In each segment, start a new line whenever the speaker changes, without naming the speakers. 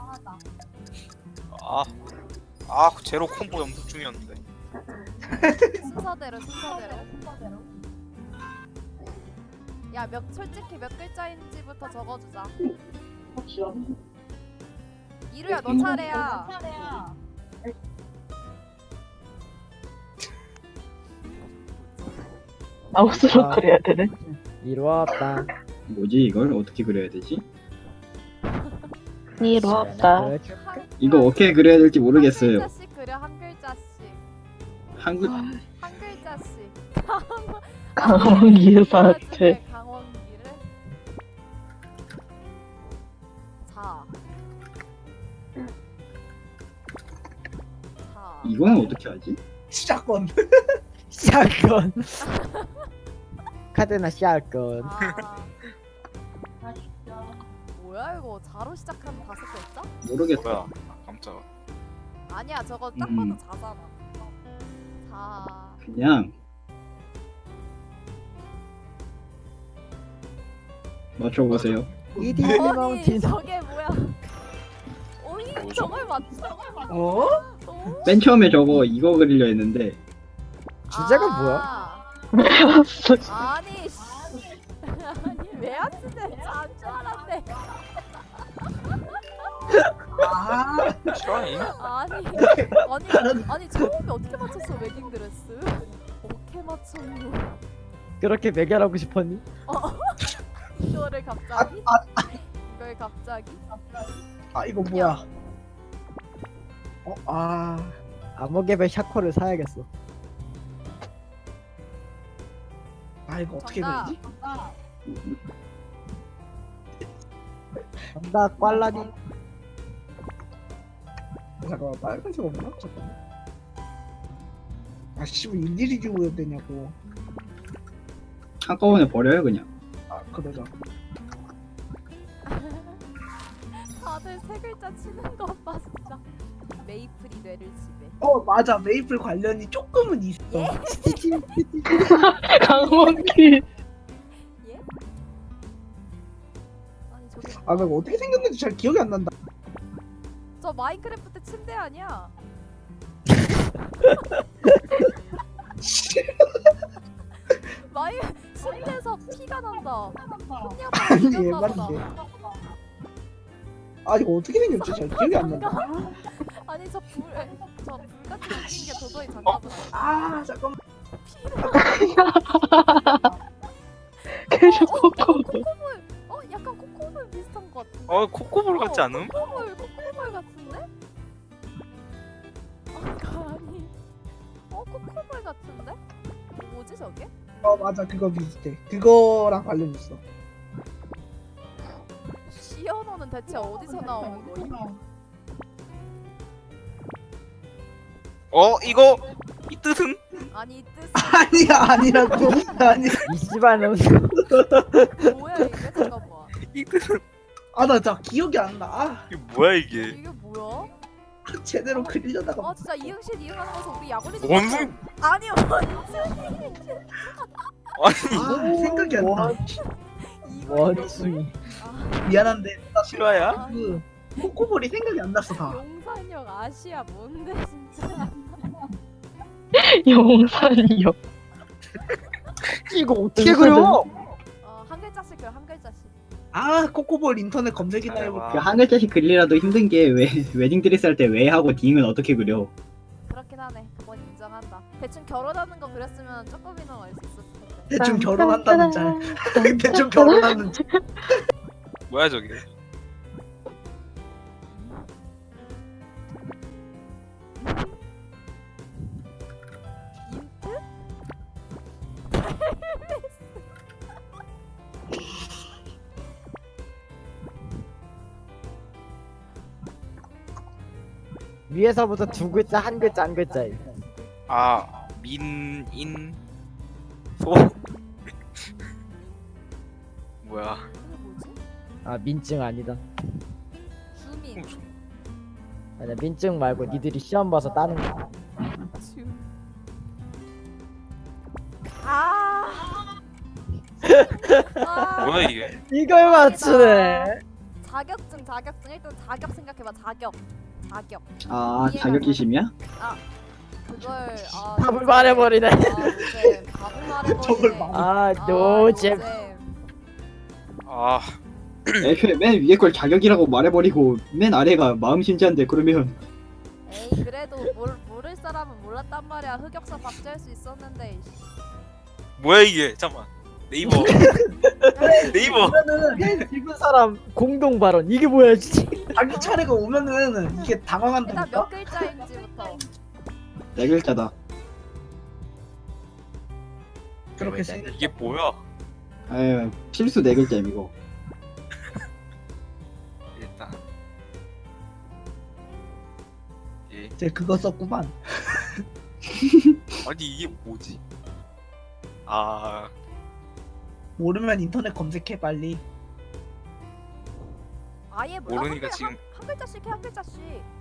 제로 콤보 연습 중이었는데.
순서대로. 야, 솔직히 몇 글자인지부터 적어주자. 이루야, 너 차례야.
아웃으로 그려야 되네.
이루었다.
뭐지 이걸 어떻게 그려야 되지?
이루었다.
이거 어떻게 그려야 될지 모르겠어요.
한 글자씩 그려, 한 글자씩.
한글
한 글자씩.
강원기 사태.
강원기를. 자.
이거는 어떻게 하지?
시작권.
샷건. 카드나 샷건.
뭐야 이거 자로 시작하는 5글자?
모르겠다.
뭐야? 깜짝아.
아니야 저거 딱 봐도 자잖아. 자.
그냥 맞춰보세요.
이디
아니
마운틴.
저게 뭐야? 오이
뭐죠?
저걸 맞춰?
어?
오?
맨 처음에 저거 이거 그리려 했는데
주제가
아니 씨. 아니 왜 안 쓰는데 안줄 알았네.
싫어하니?
아니 처음에 어떻게 맞췄어 웨딩 드레스? 어떻게 맞췄노?
그렇게 매결하고 싶었니?
이거를 갑자기? 이걸 갑자기?
이거 뭐야?
암흑개별 샤코를 사야겠어.
이거 어떻게
정답.
그리지?
정답 꽐라니.
잠깐만, 빨간색 없나? 잠깐만. 씨발 일일이 주고 해야 되냐고.
한꺼번에 버려요 그냥.
그러자.
다들 3글자 치는 것 봐 진짜. 메이플이 뇌를 지배.
맞아. 메이플 관련이 조금은 있어.
예?
강원기.
예? 아니 저게
나 이거 어떻게 생겼는지 잘 기억이 안 난다.
저 마인크래프트 침대 아니야? 침대에서 피가 난다.
아니,
훈냐고
얘
보다.
이거 어떻게 생겼지? 잘 기억이 안 난다.
아니 저 불같이 생긴 게 도저히 장난은
잠깐만.
계속 코코.
코코볼. 약간 코코볼 비슷한 것 같은데.
코코볼 같지 않음?
코코볼 같은데? 아니. 코코볼 같은데? 뭐지 저게?
맞아. 그거 비슷해. 그거랑 관련 있어.
시연어는 대체 어디서 나온 거임?
이거 이 뜻은?
아니 이 뜻은
아니라고. 아니.
이 씨발놈.
뭐야 이게? 잠깐만.
이 뜻은?
나 진짜 기억이 안 나.
이게 뭐야 이게?
이게 뭐야?
제대로 그리려다가.
진짜 이응실 이응하는 거서 우리 약올리지
원숭이.
아니요
아니
생각이 안 나.
원숭이.
미안한데
실화야?
그 코코볼이 생각이 안 났어 다.
용산역 아시아 뭔데 진짜.
용산이요.
이거 어떻게 그려?
한 글자씩 그려 한 글자씩.
코코볼 인터넷 검색이나 해볼게.
그 한 글자씩 그리라도 힘든 게 왜 웨딩 드레스 할 때 왜 하고 딩은 어떻게 그려?
그렇긴 하네. 그건 인정한다. 대충 결혼하는 거 그렸으면 조금이는 알 수 있었을 텐데.
대충 결혼한다는 짤. 대충 결혼하는 짤.
뭐야 저게?
힌트?
위에서부터 2글자, 한 글자, 한 글자임.
민인 소 뭐야?
이게 뭐지?
민증 아니다.
주민.
아니야, 민증 말고 니들이 시험 봐서 따는 거.
주. 아.
뭐야 이게?
이걸 맞추네.
자격증 일단 자격 생각해봐. 자격.
아
이해가
자격지심이야?
그걸
답을 말해버리네.
노잼. 답을 말해버리네.
저걸 말-
아 노잼.
아
애초에 맨 위에 걸 자격이라고 말해버리고 맨 아래가 마음심지한데 그러면
에이 그래도 모를 사람은 몰랐단 말이야. 흑역사 박제할 수 있었는데.
뭐야 이게? 잠만. 네이버. 네이버.
그러면은
읽은 사람 공동 발언 이게 뭐야 진짜.
자기 차례가 오면은 이게
일단
당황한다니까.
몇 글자인지부터.
네 글자다.
그렇게 생
이게 뭐야?
아유 필수 네 글자임 이거.
일단. 예.
이제 그거 썼구만.
아니 이게 뭐지? 아
모르면 인터넷 검색해 빨리.
아예 몰라.
모르니까
한,
지금
한 글자씩 해. 한 글자씩.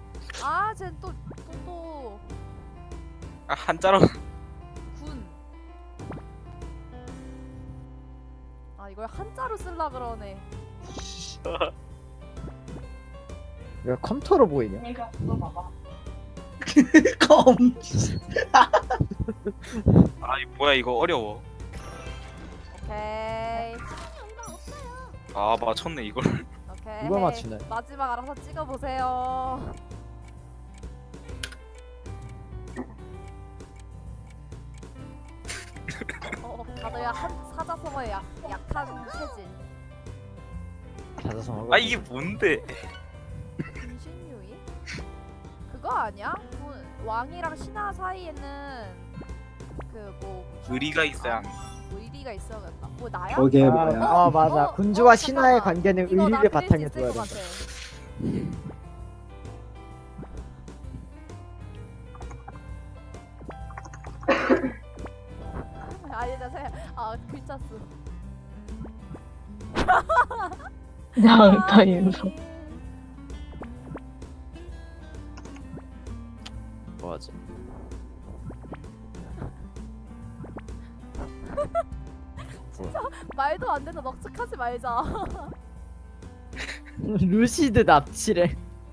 쟤또
아, 한자로
군. 이걸 한자로 쓸라 그러네.
왜 컴퓨터로 보이냐?
검.
아 이거 뭐야 이거 어려워.
오케이.
아 맞췄네 이걸.
오케이.
누가 맞추네?
마지막 알아서 찍어 보세요. 다들 사자성어에 약한 체질.
자자성.
아 이게 뭔데?
분신유이? 그거 아니야? 왕이랑 신하 사이에는 그뭐
의리가 있어야.
의리가 있어야겠다. 뭐 나야?
저게
아,
뭐야?
아 맞아. 군주와 신하의
잠깐만.
관계는
이거 나
의리를
그릴 수
바탕에
있을
둬야
것
된다.
같아. 아니 나 생각 글자 수.
양다 윤서.
맞아.
말도 안 되는 넉적하지 말자.
루시드 납치래.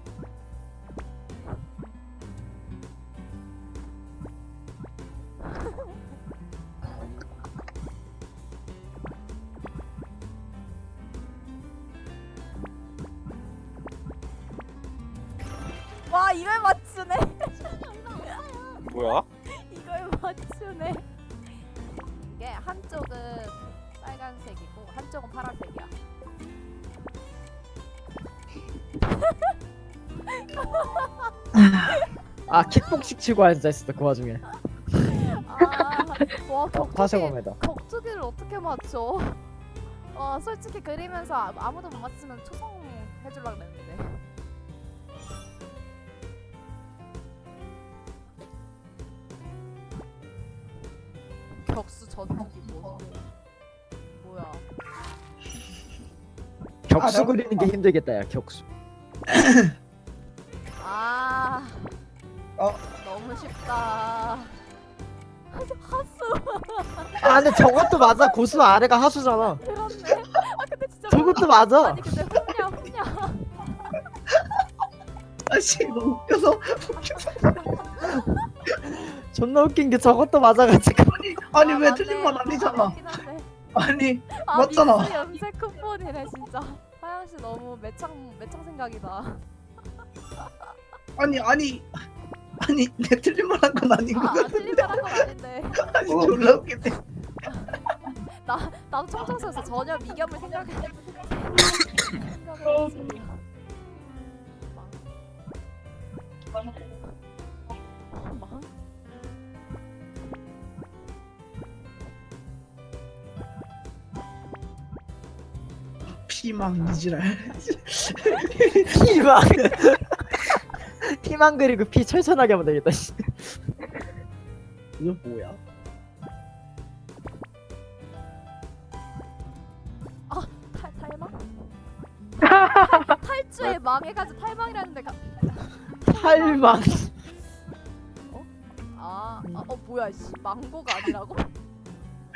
와 이걸 맞추네.
뭐야?
이걸 맞추네. 이게 한쪽은 빨간색이고 한쪽은 파란색이야.
아 킥복식 치고 앉아있었다 그 와중에.
와
파쇄검에다.
격투기를 어떻게 맞춰? 솔직히 그리면서 아무도 못 맞추면 초성 해주려 그랬는데. 격수 전투기 뭐야?
격수
아, 나-
그리는 게 힘들겠다 야 격수.
너무 쉽다. 하수.
아 근데 저것도 맞아. 고수 아래가 하수잖아.
그렇네. 근데 진짜
저것도 맞아.
아니 근데 훈냐.
아씨 너무 웃겨서.
존나 웃긴 게 저것도 맞아가지고.
아니 왜
맞네.
틀린 건 아니잖아.
맞긴 한데.
아니 맞잖아.
믹스 염색 쿠폰이네 진짜. 하영 씨 너무 매창 생각이다.
아니 내 틀린 말 한 건 아닌 거 같아.
틀린 말한 건 아닌데.
아니 졸라 웃기네.
나도 청청서에서 전혀 미겸을 생각했지. 망?
피망 이지랄.
피망. 피망 그리고 피 철천하게 하면 되겠다. 씨.
이거 뭐야?
탈망? 탈주에 망해가지고 탈망이라는데
탈망.
뭐야 씨 망고가 아니라고?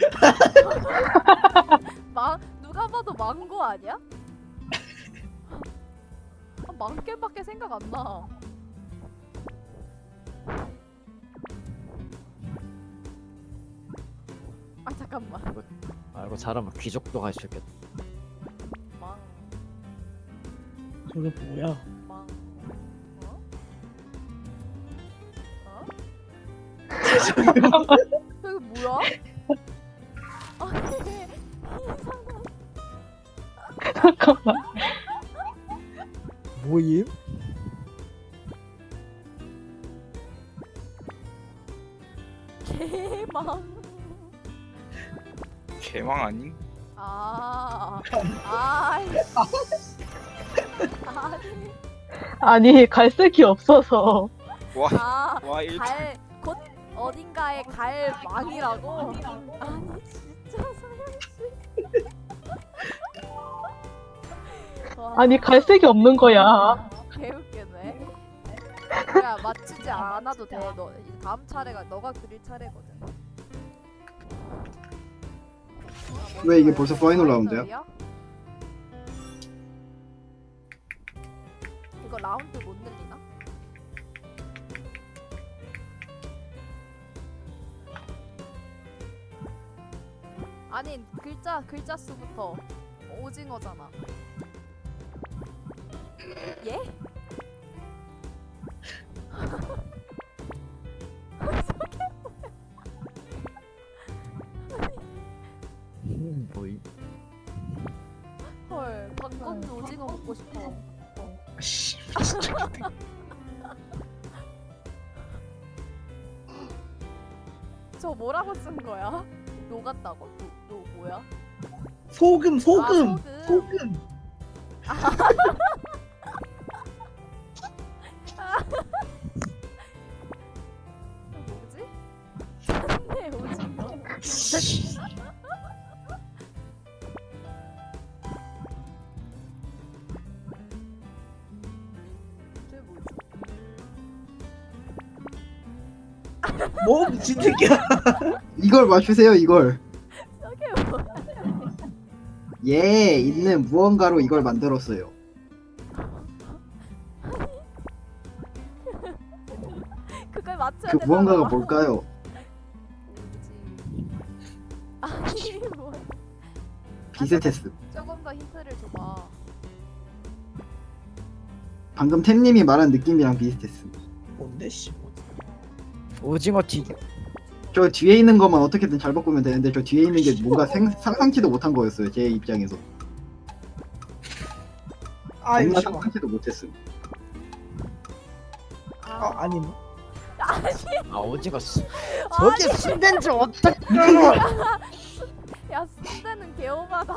누가 봐도 망고 아니야? 망겜밖에 생각 안 나. 아 잠깐만.
이거 잘하면 귀족도 갈 수 있겠다.
망.
저게 뭐야?
망. 어? 어? 저게 뭐야? 아니 이상한.
잠깐만.
모임?
개망.
개망 아닌?
아이씨.
아니 갈색이 없어서.
와 1초
곧 어딘가에 갈 망이라고? 아니 진짜 사연씨.
아니 갈색이 없는 거야.
개웃기네. 야 맞추지 않아도 돼. 너 이제 다음 차례가 너가 그릴 차례거든.
왜 이게 벌써 파이널 라운드야?
이거 라운드 못 늘리나? 아니 글자 수부터 오징어잖아. 예?
모임?
헐 박건주 오징어 먹고 싶어.
씨.
저 뭐라고 쓴 거야? 녹았다고? 노 뭐야?
소금, 소금,
아,
소금.
뭐지? 산내 오징어. 쟤 뭐지?
뭐 미친 새끼야.
이걸 맞추세요 이걸.
저게 뭐야?
예 있는 무언가로 이걸 만들었어요.
그걸 맞춰야
그
되잖아.
무언가가 뭘까요?
뭐지? 아니 뭐
비슷했음.
조금 더 힌트를 줘봐.
방금 템님이 말한 느낌이랑 비슷했음.
뭔데 씨.
오징어 튀김.
저 뒤에 있는 것만 어떻게든 잘 바꾸면 되는데 저 뒤에 있는 게 뭔가 상상치도 못한 거였어요 제 입장에서.
아
정말
이거
상상치도 못했음.
아니
아 오징어 씨.
아니,
저게 순대인지 어떡해.
야 순대는 개오바다.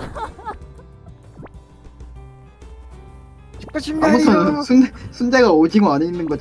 죽고 싶나요?
아무튼 순대가 오징어 안에 있는 거